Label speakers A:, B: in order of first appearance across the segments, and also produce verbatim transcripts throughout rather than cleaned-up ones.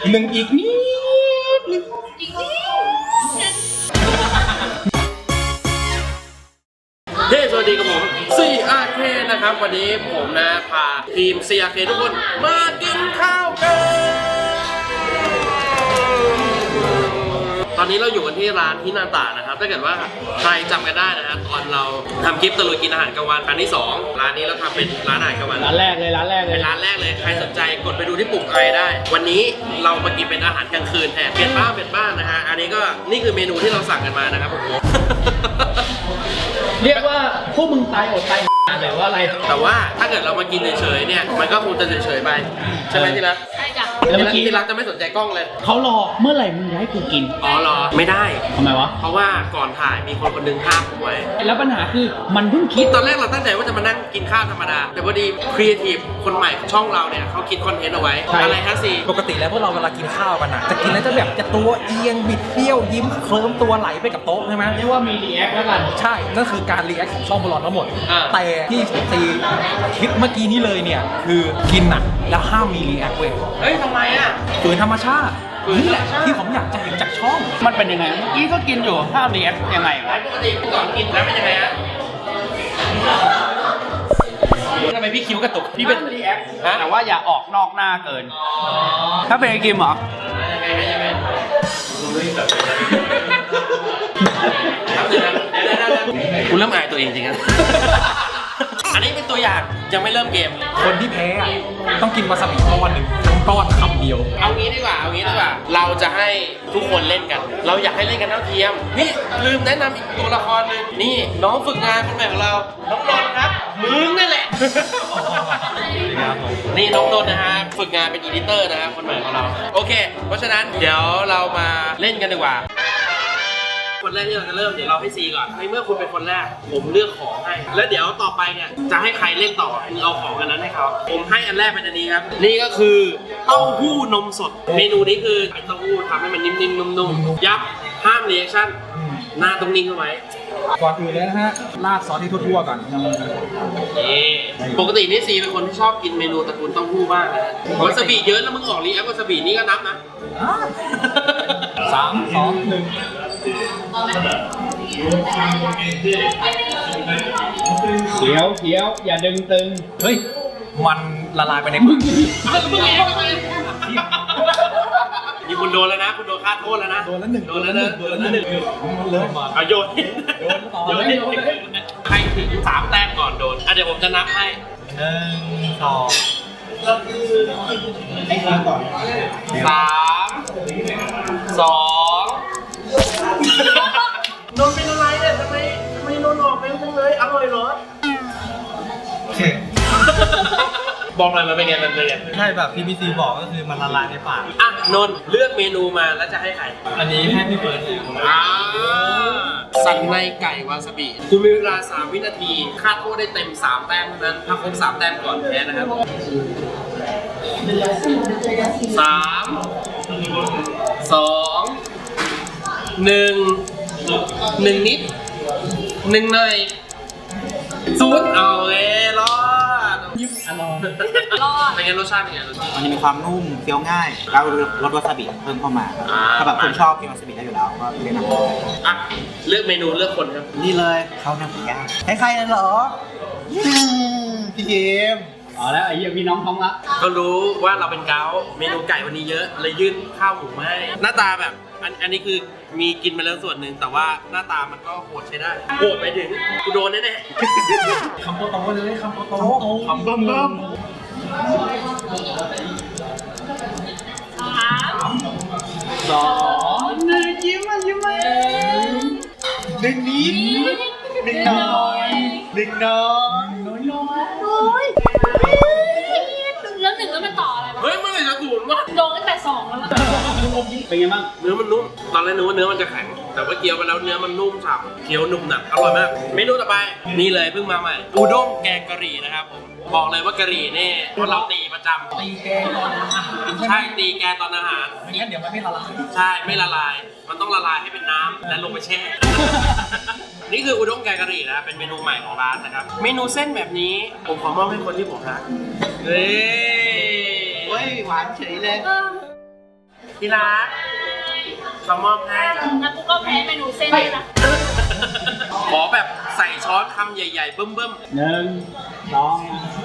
A: หนึ่งอีกนิดนึงอีกนิดเฮ้สวัสดีกับผม ซี อาร์ เค นะครับวันนี้ผมนะพาทีม ซี อาร์ เค ทุกคนมากินข้าวกันตอนนี้เราอยู่กันที่ร้านฮินาตะนะครับถ้าเกิดว่าใครจำกันได้นะฮะตอนเราทำคลิปตะลุยกินอาหารกลางวันอันที่สองร้านนี้เราทำเป็นร้านอาหารกลางวัน
B: ร้านแรกเลยร้านแรกเลย
A: เป็นร้านแรกเลยใครสนใจกดไปดูที่ปุ่มไอได้วันนี้เรามากินเป็นอาหารกลางคืนแทนเปลี่ยนบ้านเปลี่ยนบ้านนะฮะอันนี้ก็นี่คือเมนูที่เราสั่งกันมานะครับผม
B: เรียกว่าพวกมึงตายอดตายหรือว่าอะไร
A: แต่ว่าถ้าเกิดเรามากินเฉยๆเนี่ยมันก็คงจะเฉยๆไปใช่ไหมที่รัก
C: ใช่จ้ะ
B: แล้วเมื่อกี้
A: ที่รักจะไม่สนใจกล้องเลย
B: เขารอเมื่อไหร่มึงจะให้กูกิน
A: อ๋อรอไม่ได้
B: ทำไมวะ
A: เพราะว่าก่อนถ่ายมีคนคนนึงห้ามผมไว้
B: แล้วปัญหาคือมันเพิ่งคิด
A: ตอนแรกเราตั้งใจว่าจะมานั่งกินข้าวธรรมดาแต่พอดีครีเอทีฟคนใหม่ช่องเราเนี่ยเขาคิดคอนเทนต์เอาไว้อะไรฮะสิ
D: ปกติแล้วพวกเราเวลากินข้าวกันนะจะกินแล้วจะแบบจะตัวเอียงบิดเบี้ยวยิ้มเคลิ้มตัวไหลไปกับโต๊ะใช่ไหม
B: เรียกว่ามีรีแอคแล้วกัน
D: ใช่นั่นคือการรีแอคของช่องบอลทั้งหมดแต่ที่ตีคิดเมื่อกี้นี้เลยเนี่ยคือกินน่ะแล้วห้ามมีรีแอคเว้ย
A: เฮ้ยทำไมอ่ะ
D: ฝืนธรรมชาตินี่แหละที่ผมอยากจะเห็นจากช่อง
B: มันเป็นยังไงเมื่อกี้ก็กินอยู่ห้ามรีแอคยังไงวะ
A: ปกติก่อนกินแล้วเป็นยังไงฮะทำไมพี่คิ้วกระตุก
B: พี่เป็นรีแอคแต่ว่าอย่าออกนอกหน้าเกินถ้าเป็นไอกิมเหรอ
A: ยังไงยังไงครับเดี๋ยวนะคุณเริ่มอายตัวเองจริงๆอันนี้เป็นตัวอย่างยังไม่เริ่มเกม
D: คนที่แพ้ต้องกินวาซาบิก้อนหนึ่งทั้งก้อนคำเดียว
A: เอางี้ดีกว่าเอางี้ดีกว่าเราจะให้ทุกคนเล่นกันเราอยากให้เล่นกันเท่าเทียมนี่ลืมแนะนำอีกตัวละครหนึ่งนี่น้องฝึกงานคนใหม่ของเราน้องนนท์ครับมึงนั่นแหละนี่น้องนนท์นะฮะฝึกงานเป็นอีดิเตอร์นะฮะคนใหม่ของเราโอเคเพราะฉะนั้นเดี๋ยวเรามาเล่นกันดีกว่าคนแรกที่เราจะเริ่มเดี๋ยวเราให้ซีก่อนในเมื่อคุณเป็นคนแรกผมเลือกของให้แล้วเดี๋ยวต่อไปเนี่ยจะให้ใครเล่นต่อคุณเอาของอันนั้นให้เขาผมให้อันแรกเป็นอันนี้ครับนี่ก็คือเต้าหู้นมสดเมนูนี้คือไอ้เต้าหู้ทำให้มันนิ่มๆนุ่มๆยับห้ามรีแอคชั่นหน้าตรงนิ่งเข้าไว้
D: ก่อนอื่นเลยนะฮะราดซอสที่ทั่วๆก่อน
A: นี่ปกตินี่ซีเป็นคนที่ชอบกินเมนูตระกูลเต้าหู้มากนะวาซาบิเยอะแล้วมึงออกรีแอควาซาบินี่ก็นับนะ
D: สามสองหนึ่ง
B: เขียวเขียวอย่าดึงตึง
D: เฮ้ยมันละลายไปในมือ
A: นี่คุณโดนแล้วนะคุณโดนค่าโทษแล้วนะ
D: โดนแล้วหนึ่ง
A: โดนแล้วหนึ่งโดนแล้วหนึ่ง
D: เลย
A: เอาโยนโยนโยนใครถึงสามแต้มก่อนโดนอ่ะเดี๋ยวผมจะนับให้
D: หนึ่งสอง
A: ให้ทีมก่อนสามสองโดนเป็นอะไรเนี่ยทำไมทำไมโดนออกเร็วจังเลยอร่อยเหรอบอกหน่อยมันเป็นไงมันเป็นไง
D: ใช่แบบที่พี่ซีบอกก็คือมันละลายในปาก
A: อ่ะนนท์เลือกเมนูมาแล้วจะให้ใคร
D: อันนี้ให้พี่เฟิร์น
A: อ่าสันในไก่วาซาบิคุณมีเวลาสามวินาทีคาดโทษได้เต็มสามแต้มเท่านั้นถ้าครบสามแต้มก่อนแพ้นะครับสามสองหนึ่งหนึ่งนิดหนึ่งหน่อยศูนย์เอาเลยรอด
D: ยิ้มอร่อย
A: รอดเป็นไงรสชาติเป็นไงรสชาติ
E: มันจะมีความนุ่มเคี้ยวง่ายแล้วรสวาซาบิเพิ่มเข้ามาถ้าแบบคนชอบกินวาซาบิได้อยู่แล้วก็แนะนำ
A: อ่ะเลือกเมนูเลือกคนครับ
E: นี่เลยข้าวหน้าหมูย่างใครๆนั่นเหรอพี่เกม
B: อ๋อแล้วไอ้เหี้ยพี่น้องท้องละ
A: ก็รู้ว่าเราเป็นเกาเมนูไก่วันนี้เยอะเลยยื่นข้าวหมูมาให้หน้าตาแบบอันอันนี้คือมีกินมาแล้วส่วนหนึ่งแต่ว่าหน้าตามันก็โหดใช้ได้โหดไปถึงกูโดนแน่
D: ๆคำโตโตเลยคำโตโต
A: คำเบิ่มเบิ่ม
B: สองหนึ่งยิ้มมายิ้มมา
E: หนึ่งนิดหนึ่งน้อยหนึ่งน้อย
B: น้อยน้อย
C: น้อยแล้วหนึ่งแล้วมันต่ออะไรวะ
A: เฮ้ยเมื่อไหร่จะศูนย์วะ
C: โดนตั้งแต่สองแล้ว
B: เป็นไงบ้าง
A: เนื้อมันนุ่มตอนแรกนึกว่าเนื้อมันจะแข็งแต่ว่าเคี้ยวไปแล้วเนื้อมันนุ่มฉ่ำเคี้ยวนุ่มหนักอร่อยมากเมนูต่อไปนี่เลยเพิ่งมาใหม่อุด้งแกงกะหรี่นะครับผมบอกเลยว่ากะหรี่นี่เพราะเราตีประจำ
D: ตีแกงตอนอาหาร
A: ใช่ตีแกงตอนอาหาร
D: ไม่งั้นเดี๋ยวมันไม่ละลาย
A: ใช่ไม่ละลายมันต้องละลายให้เป็นน้ำแล้วลงไปแช่นี่คืออุด้งแกงกะหรี่นะเป็นเมนูใหม่ของร้านนะครับเมนูเส้นแบบนี้ผมขอมอบให้คนที่ผมรักเฮ้ย
E: เฮ้ยหวานเฉยเลย
A: พี่รักเรามอบให้
C: งั้นกูก็แพ้เมนูเส้นเลยนะ
A: ขอแบบใส่ช้อนคำใหญ่ๆเบิ่ม
B: หนึ่งสอง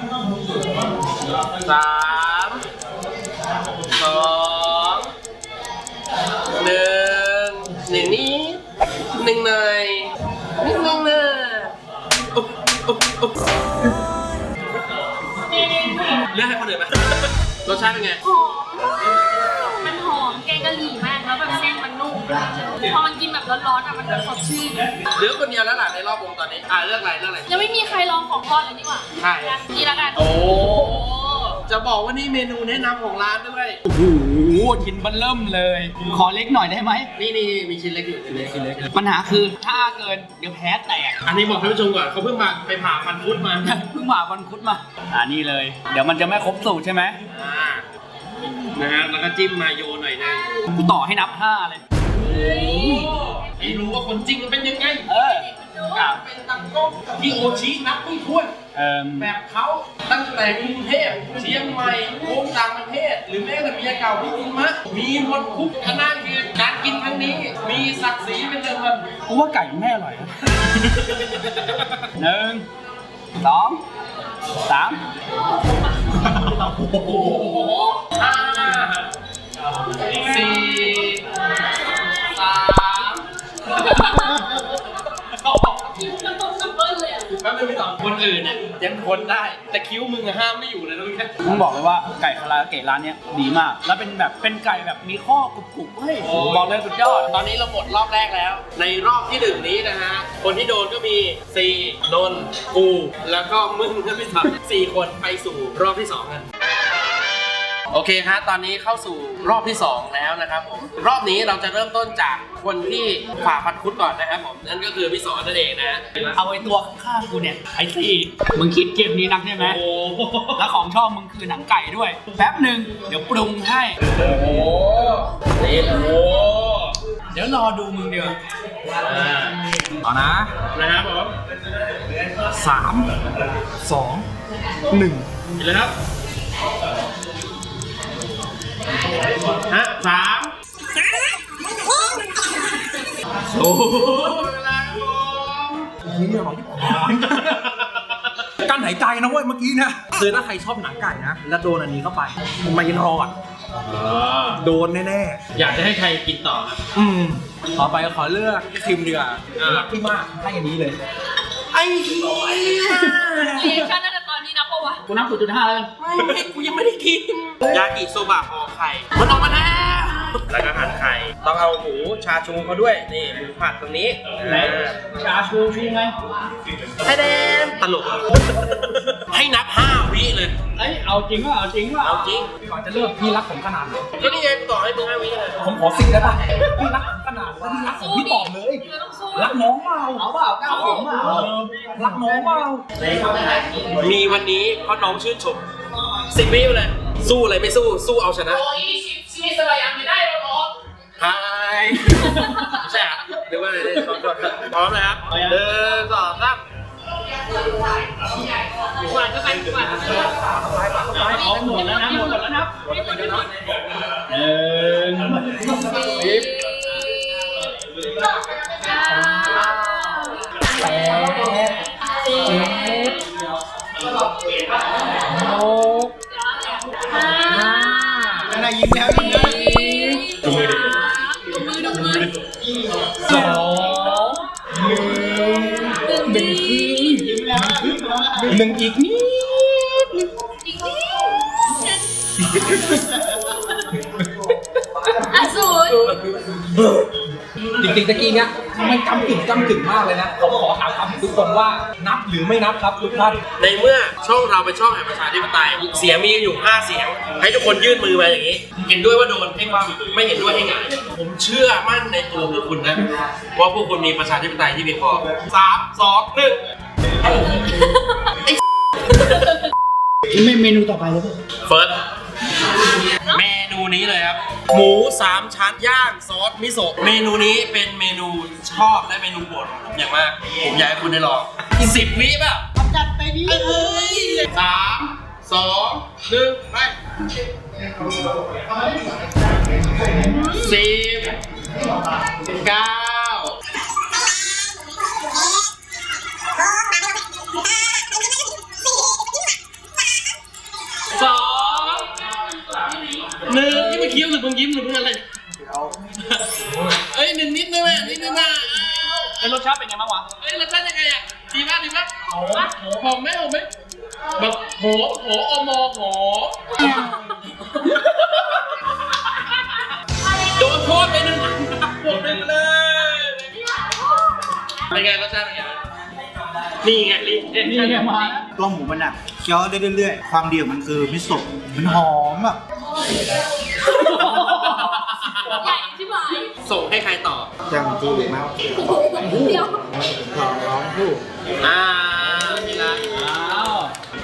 A: ๆสามสองหนึ่งหนึ่งนี้หนึ่งหน่อยนิดนึงนะอุ๊บอุ๊บอุ๊บเลือกให้คนอื่นไหมรสชาติเป็นไง
C: หอม มันหอมแกงกะหรี่มากแล้วแบบเส้นมันนุ่ม พอมันกินแบบร้อนๆอ่ะมันแบบสดชื่น
A: เหลือคนเดียวแล้วล่ะในรอบวงตอนนี้อ่ะเลือกอะไรเลือกอะไร
C: ยังไม่มีใครลองของทอดเลยนี่หว่า
A: ใช่
C: นี่ละกัน
A: โอ้ จะบอกว่านี่เมนูแนะนำของร้านด้วย
B: โอ้โหชิ้นเบันเริ่มเลย ขอเล็กหน่อยได้ไหม
A: นี่นี่มีชิ้นเล็กอยู่ชิ้นเล็กชิ้นเล็ก
B: ปัญหาคือถ้าเกินเดี๋ยวแพ้แตก
A: อันนี้บอกท่านผู้ชมก่อนเขาเพิ่งมาไปผ่าฟันคุดมา
B: เพิ่งมาวันคุดมา อ่านี่เลย เดี๋ยวมันจะไม่ครบสูตรใช่ไหม
A: อ่านะฮะแล้วก็จิ้มมาโยหน่อยนึง
B: กูต่อให้นับห้าเลย
A: ให้รู้ว่าคนจริงมันเป็นยังไง
B: เออ
A: อยากเป็นตังโก้ที่โอชินับไม่ถ้วน
B: เอ่อ
A: แบบเขาตั้งแต่กรุงเทพเชียงใหม่วงต่างประเทศ หรือแม้แต่เมียเก่าที่คุณมะมีหมดทุกขนาดคือการกินครั้งนี้ มีศักดิ์ศรีเป็นเดิมพัน
B: กูว่าไก่มันไม่อร่อยนะ หนึ่งสองสาม
A: โอ้โหห้าสี่สาม
C: คิ้วมันตรงกับเบิ้ลเลยอ่ะ
A: แป๊บนึงพี่ต่อคนอื่นเนี่ยยังคนได้ แต่คิ้วมึงอะห้ามไม่อยู่เลยนะมึงแค่
B: มึงบอกเลยว่าไก่คาราโอเกะร้านเนี้ยดีมาก แล้วเป็นแบบเป็นไก่แบบมีข้อกรุบๆเฮ้ยบอกเลยสุดยอด
A: ตอนนี้เราหมดรอบแรกแล้ว ในรอบที่หนึ่งนี้นะฮะ คนที่โดนก็มีซีนนท์กู แล้วก็มึงก็พี่ต่อสี่คนไปสู่รอบที่สองกัน โอเคครับตอนนี้เข้าสู่รอบที่สองแล้วนะครับผม รอบนี้เราจะเริ่มต้นจากคนที่ฝ่าฟันคุดก่อนนะครับผม นั่นก็คือพี่สอนนั่นเองนะ
B: เอาไอ้ตัวข้างๆกูเนี่ยไอ้สี่มึงคิดเกมนี้นักใช่ไหม
A: โอ้โห
B: แล้วของชอบมึงคือหนังไก่ด้วย แป๊บหนึ่งเดี๋ยวปรุงให้
A: โอ้โหนี่โอ้โห
B: เดี๋ยวรอดูมึงเดียว
A: อ่า
D: ต่อนะ
A: นะครับผม
D: สามสองหนึ่ง
A: กินเลยครับฮะสามโอ้โหเวลาครับผม
D: นี่อร่อยที่การหายใจนะเว้ยเมื่อกี้นะคือถ้าใครชอบหนังไก่นะ แล้วโดนอันนี้เข้าไปไม่รอดโดนแน่
A: อยากจะให้ใครกินต่อครับ
D: ๆอืมต่อไปขอเลือกพี่คิมดีกว่า
A: อ่า
D: รักพี่มากให้อันนี้เลย
A: ไอ้เหี้ย
C: เรียกชั่นตั้งแต่ตอนนี้นับปะวะ
B: กูนับศูนย์จุดห้าแล้วกัน
A: ไม่กูยังไม่ได้กิน ยากิโซบะห่อไข่ มันออกมาแล้ว แล้วก็หั่นไข่ ต้องเอาหมูชาชูเขาด้วย นี่หมูผัดตรงนี้
B: ไหนชาชูชูไง
A: ไอเดนตลก ให้นับห้าวิเลย
B: เอ้ยเอาจริงว่าเอาจริงว่า
A: เอาจริง
D: ก่อนจะเลือกพี่รักผมขนาดไหน
A: ก็นี่ไงกูต่อให้มึงห้าวิเลย
D: ผมขอสิบได้ปะพี่รักผมขนาดไหนพี่รักผมพี่ตอบเลย
C: เราต้องสู้
D: รักน้องเปล่าเอาเปล่าก้าวผมเปล่ารักน้องเปล่า
A: มีวันนี้เพราะน้องชื่นชมสิบวิไปเลย สู้อะไรไม่สู้ สู้เอาชนะ
C: โอ้ยชีวิตสบายยังไม่ได้หรอกน้อง
A: ไฮใช่อะเดี๋ยวว่าอะไรเนี่ยขอโทษครับพร้อมนะครับหนึ่งสองสาม
C: หวานก็ไปหวานก็ไป
B: เอาหมดแล้วนะหมดแล้วนะ
C: ไม่หมดไม่หมด
B: หนึ่ง
D: แปดเจ็ดหก
C: ห้า
D: อะไรยิ้มแล้วยิ้มแล้ว
C: ดูมือดูมือดูมือ
D: สองหนึ่งหนึ่งหนึ่งอีกนิด
C: อีกนิดอ่ะศูนย์
D: จริงๆตะกี้เนี้ยมันกำกึ่งกำกึ่งมากเลยนะผมขอถามคำทุกคนว่านับหรือไม่นับครับทุกท่าน
A: ในเมื่อช่องเราเป็นช่องแห่งประชาธิปไตยเสียงมีอยู่ห้าเสียง ให้ทุกคนยื่นมือมาอย่างนี้ เห็นด้วยว่าโดนให้ความไม่เห็นด้วยให้หงายผมเชื่อมั่นในตัวพวกคุณนะว่าพวกคุณมีประชาธิปไตยที่เพียงพอสามสองหนึ่ง
B: ไม่เมนูต่อไปเลยป่ะ
A: เฟิร์สเมนูนี้เลยครับ หมูสามชั้นย่างซอสมิโซะเมนูนี้เป็นเมนูชอบและเมนูโปรดของผมอย่างมาก ผมอยากให้คุณได้ลองสิบวิป่ะจัดไปดิเอ้ยสามสองหนึ่งไปสิบเก้าสองหนึ่งนี่มันเคี้ยวหรือมึงยิ้มหรือมึงอะไรเอ้ยหนึ่งนิดนึงอ่ะนิดนึงอ่ะ
B: ไอ้รสชาติเป็นไงบ้างวะ
A: เอ้ยรสชาติยังไงอ่ะดีมากดีมากโหหอมไหมหอมไหมแบบโหโหอมอโหโดนโทษไปหนึ่งหมดไปเลยเป็นไงรสชาติเป็นไงนี่ไงรีเอ็น
B: นี่ไงมา
E: ตัวหมูมันอ่ะเคี้ยวได้เรื่อยๆความดีของมันคือมิโซะมันหอมอ่ะ
C: ใหญ่ใช่ไหม
A: ส่งให้ใครต่อ
E: จังจีมาก
C: เดี๋ยว
E: ขอร้องผู้
A: อ่านี่ละ
B: อ้าว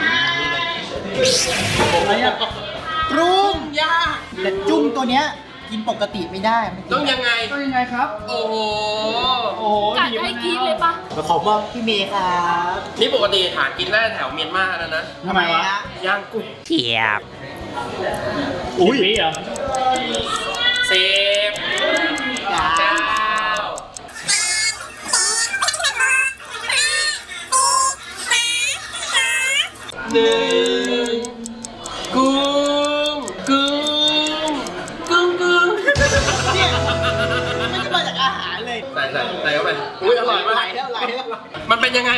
B: อะไรอ่ะ
E: ปรุง
A: ยาก
E: แต่จุ้มตัวเนี้ยกินปกติไม่ได้มัน
A: ต้องยังไง
B: ต้องยังไงครับ
A: โอ้โห
B: โอ้โห
C: กัดให้กินเลยปะ
E: ขอบอกพี่เมย์ครับ
A: นี่ปกติหากินได้แถวเมียนมาแล้วนะ
B: ทำไมวะ
A: ย่างกุ้ง
B: อุ้ยนี่เหรอ
A: สิบเก้าหนึ่งกุ้งกุ้งกุ้งกุ้ง
E: เนี่ยมันจะมาจากอาหารเลย
A: ใส่ใส่ใส่เข้าไปอุ้ยอร่อยมาก
E: ไหลแล้วไหลแล้ว
A: มันเป็นยังไง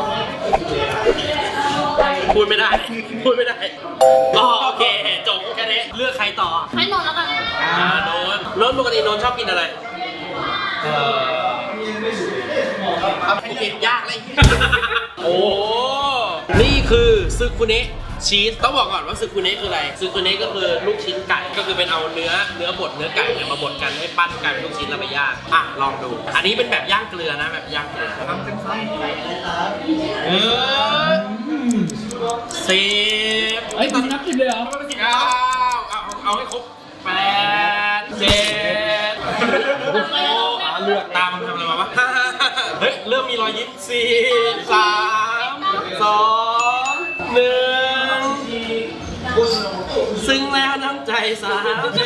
A: พูดไม่ได้ พูดไม่ได้อ๋อโอเค จบแค่นี้เลือกใครต่อ
C: ให้นอนแล้วกัน
A: อ่าโนนโนนปกติโนนชอบกินอะไร เออโอเคยากเลย โอ้ นี่คือซึคุเนะชีส ต้องบอกก่อนว่าซึคุเนะคืออะไร ซึคุเนะก็คือลูกชิ้นไก่ ก็คือเป็นเอาเนื้อเนื้อบดเนื้อไก่เนี่ยมาบดกันให้ปั้นกลายเป็นลูกชิ้นแล้วไปย่าง อ่ะลองดู อันนี้เป็นแบบย่างเกลือนะแบบย่างเกลือทำเป็นไส้เออสิบ
B: เฮ้ยคุณนับสิบเลยเหรอ
A: เก้าเอาเอาให้ครบแปดเจ็ดโอ้โหเลือกตามมันทำอะไรมาวะเฮ้ย เริ่มมีรอยยิ้มสี่สามสองหนึ่งซึ้งแล้วน้ำใจสาวใจ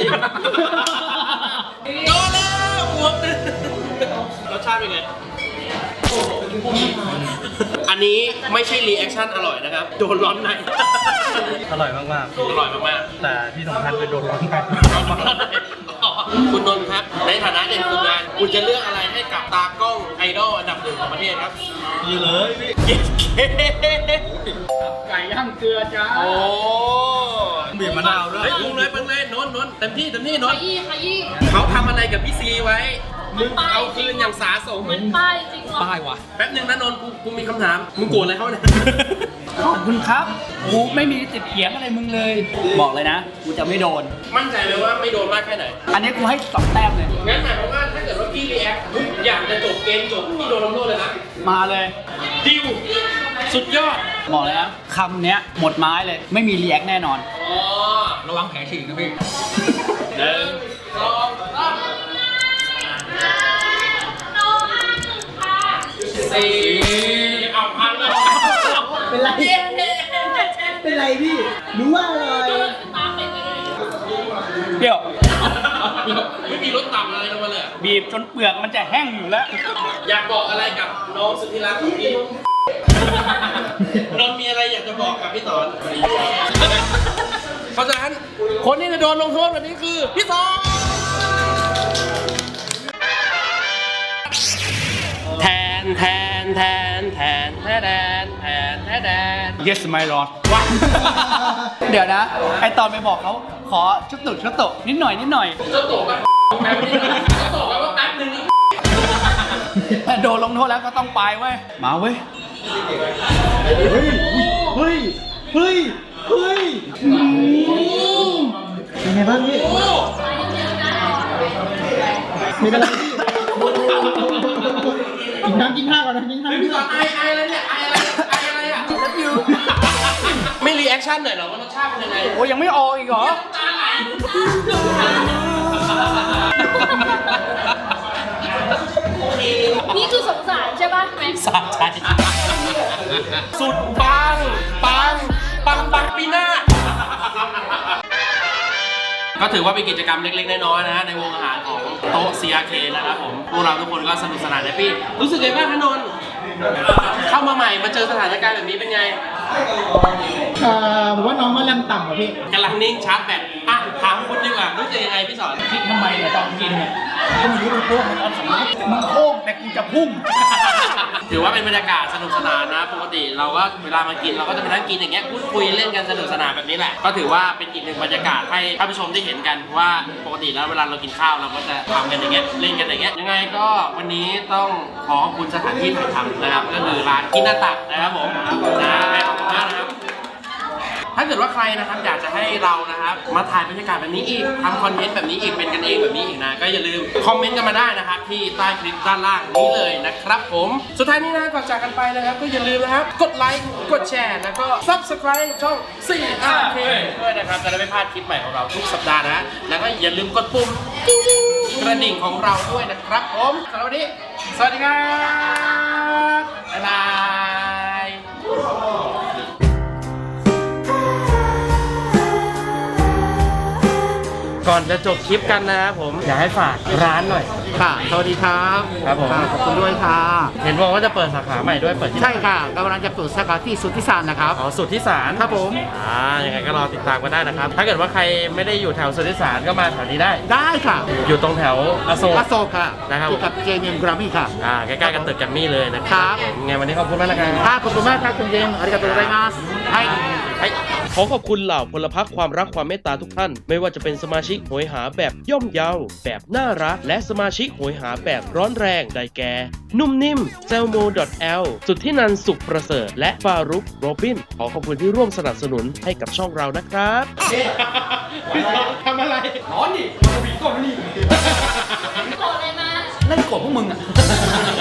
A: โดนแล้วหัวตึ้งรสชาติเป็นไง อันนี้ไม่ใช่รีแอคชั่นอร่อยนะครับ โดนร้อนใน
D: อร่อยมาก
A: อร่อยมาก
D: ๆ แต่ที่สำคัญคือโดนร้อนใน
A: ๆ คุณนนท์ครับ ในฐานะเด็กฝึกงาน คุณจะเลือกอะไรให้กับตากล้องไอดอลอันดับหนึ่งของประเทศครับ
D: นี่เลยพี่
A: เย้เค
B: ไก่ย่างเกลือจ้า
A: โอ้
D: บีบมะนาวด้วย
A: เฮ้ยปรุงเลยปรุงเลยนนท์นนท์เต็มที่เต็มที่น
C: ข
A: นท์
C: ยี้ขยี้
A: เขาทำอะไรกับพี่ซีไว้ มึงเอาคืนอย่างสาสม
C: มันป้ายจริงวะ
D: ป้ายวะ
A: แป๊บนึงนะนนท์กูกูมีคำถาม มึงโกรธอะไรเขาเนี่ย
B: ขอบคุณครับกูไม่มีติดเถียงอะไรมึงเลย บอกเลยนะ กูจะไม่โดน
A: มั่นใจเลยว่าไม่โดนมากแค่ไหน
B: อันนี้กูให้สองแต้มเลย
A: งั้นหมายความว่าถ้าเกิดว่าพี่รีแอคทุกอย่างจะจบเกมจบพี่โดนลงโทษเลยนะ
B: มาเลย
A: ดิว สุดยอด
B: บอกเลยนะคำเนี้ยหมดไม้เลย ไม่มีรีแอคแน่นอน
A: อ๋อ
D: ระวังแผลฉีกนะพี่
A: หนึ่งสองสามสี่เอาพันเลย
E: เป็นไร เป็นไรพี่ รู้ว่าอะไร
C: ตามไปเลย
B: เดี๋ยว
A: ไม่มีรถต่ำอะไรลงมาเลยอะ
B: บีบจนเปลือกมันจะแห้งอยู่แล้ว
A: อยากบอกอะไรกับน้องสุดที่รักของพี่นนท์มีอะไรอยากจะบอกกับพี่สอน เพราะฉะนั้นคนที่จะโดนลงโทษวันนี้คือพี่สอนแทนแทนแทนแทนแทนแทนแทนแทนแทน
B: yes my lord
A: ว้า
B: เดี๋ยวนะ ไอตอนไปบอกเขาขอชุดตุชุดตุนิดหน่อยนิดหน่อย
A: เจ้าตัวก็แป๊บนึงเจ้าตัวก็แป๊บนึง
B: แต่โดนลงโทษแล้วก็ต้องไปเว้ย มาเว้ย
E: เฮ้ย เฮ้ย เฮ้ยเป็นไงบ้างพี่ไม่เป็นไรพี่กินน้ำกินข้าวก่อนนะกินข้าว
A: พี่สอนไอไออะไรเนี่ยไออะไรไออะไรอ่ะไม่รีแอคชั่นหน่อยเหรอว่ารสชาติเป็นยังไง
B: โอ้ยยังไม่ออกอีกเหรอ
A: ตาไหล
C: นี่คือสงสารใช่ป่ะแม็กซ์
A: สะใจสุดปังปังปังปังปีหน้าก็ถือว่าเป็นกิจกรรมเล็กๆน้อยๆนะฮะในวงอาหารของโต๊ะ ซี อาร์ เค นะครับผมพวกเราทุกคนก็สนุกสนานแฮปปี้รู้สึกไงบ้างคะนนท์เข้ามาใหม่มาเจอสถานการณ์แบบนี้เป็นไง
F: เอ่อผมว่าน้องก็ยังต่ำกว่าพี่
A: กำลังนิ่งชาร์จแบตอ่ะถามคุณดีกว่ารู้สึกยังไงพี่สอน
B: คิดทำไมเนี่ยตอนกินเนี่ยก็ไม่รู้มันโค้งมันตอนขับรถมันโค้งแต่กูจะพุ่ง
A: ถือว่าเป็นบรรยากาศสนุกสนานนะปกติเราก็เวลามากินเราก็จะมานั่งกินอย่างเงี้ยพูดคุยเล่นกันสนุกสนานแบบนี้แหละก็ถือว่าเป็นอีกหนึ่งบรรยากาศให้ท่านผู้ชมได้เห็นกันว่าปกติแล้วเวลาเรากินข้าวเราก็จะทำกันอย่างเงี้ยเล่นกันอย่างเงี้ยยังไงก็วันนี้ต้องขอขอบคุณสถานที่ถ่ายทำนะครับก็คือร้านกินนาตักนะครับผมนะขอบคุณมากนะครับถ้าเกิดว่าใครนะครับอยากจะให้เรานะครับมาถ่ายบรรยากาศแบบนี้อีกทำคอนเทนต์แบบนี้อีกเป็นกันเองแบบนี้อีกนะก็อย่าลืมคอมเมนต์กันมาได้นะครับที่ใต้คลิปด้านล่างนี้เลยนะครับผมสุดท้ายนี้นะก่อนจากกันไปนะครับก็อย่าลืมนะครับกดไลค์กดแชร์แล้วก็ ซับสไครบ์ ช่อง ซี อาร์ เค ด้วยนะครับจะได้ไม่พลาดคลิปใหม่ของเราทุกสัปดาห์นะแล้วก็อย่าลืมกดปุ่มกิ๊งๆกระดิ่งของเราด้วยนะครับผมสำหรับวันนี้สวัสดีครับบ๊ายบายก่อนจะจบคลิปกันนะครับผมอยากให้ฝากร้านหน่อย
F: ค่ะ สวัสดีครับ
A: ครับผม
F: ะขอบคุณด้วยค่ะ
A: เห็นบอกว่าจะเปิดสาขาใหม่ด้วยเปิดที่
F: ใช่ค่ะกำลังจะเปิดสาขาที่สุทธิสารนะครับ
A: อ๋อสุทธิสาร
F: ครับผม
A: อ่ายังไงก็รอติดตามกันได้นะครับ ถ้าเกิดว่าใครไม่ได้อยู่แถวสุทธิสารก็มาแถวนี้ได้
F: ได้ค่ะ
A: อยู่ตรงแถวอโศก
F: อโศกค่ะ
A: นะครับ
F: อยู่กับเจมิมกรามี่ค่ะ
A: อ่าใกล้ๆกันตึกแกัมมี่เลยนะค
F: ครั
A: รับบ ยังไงวันนี้ขอบคุณมากนะครับ
F: ค่ะขอบคุณมากครับคุณเจมส์ありがとうございますはい
A: ขอขอบคุณเหล่าพลพรรคความรักความเมตตาทุกท่าน ไม่ว่าจะเป็นสมาชิกโหยหาแบบย่อมเยา แบบน่ารัก และสมาชิกโหยหาแบบร้อนแรงได้แก่ นุ่มนิ่มเซลโม .l สุดที่นันสุขประเสริฐและฟารุกโรบิน ขอขอบคุณที่ร่วมสนับสนุนให้กับช่องเรานะครับทำอะไร
B: ร้อนดิผีกดนี่
C: โกรธเลยมา
B: เล่นกดพวกมึงอ่ะ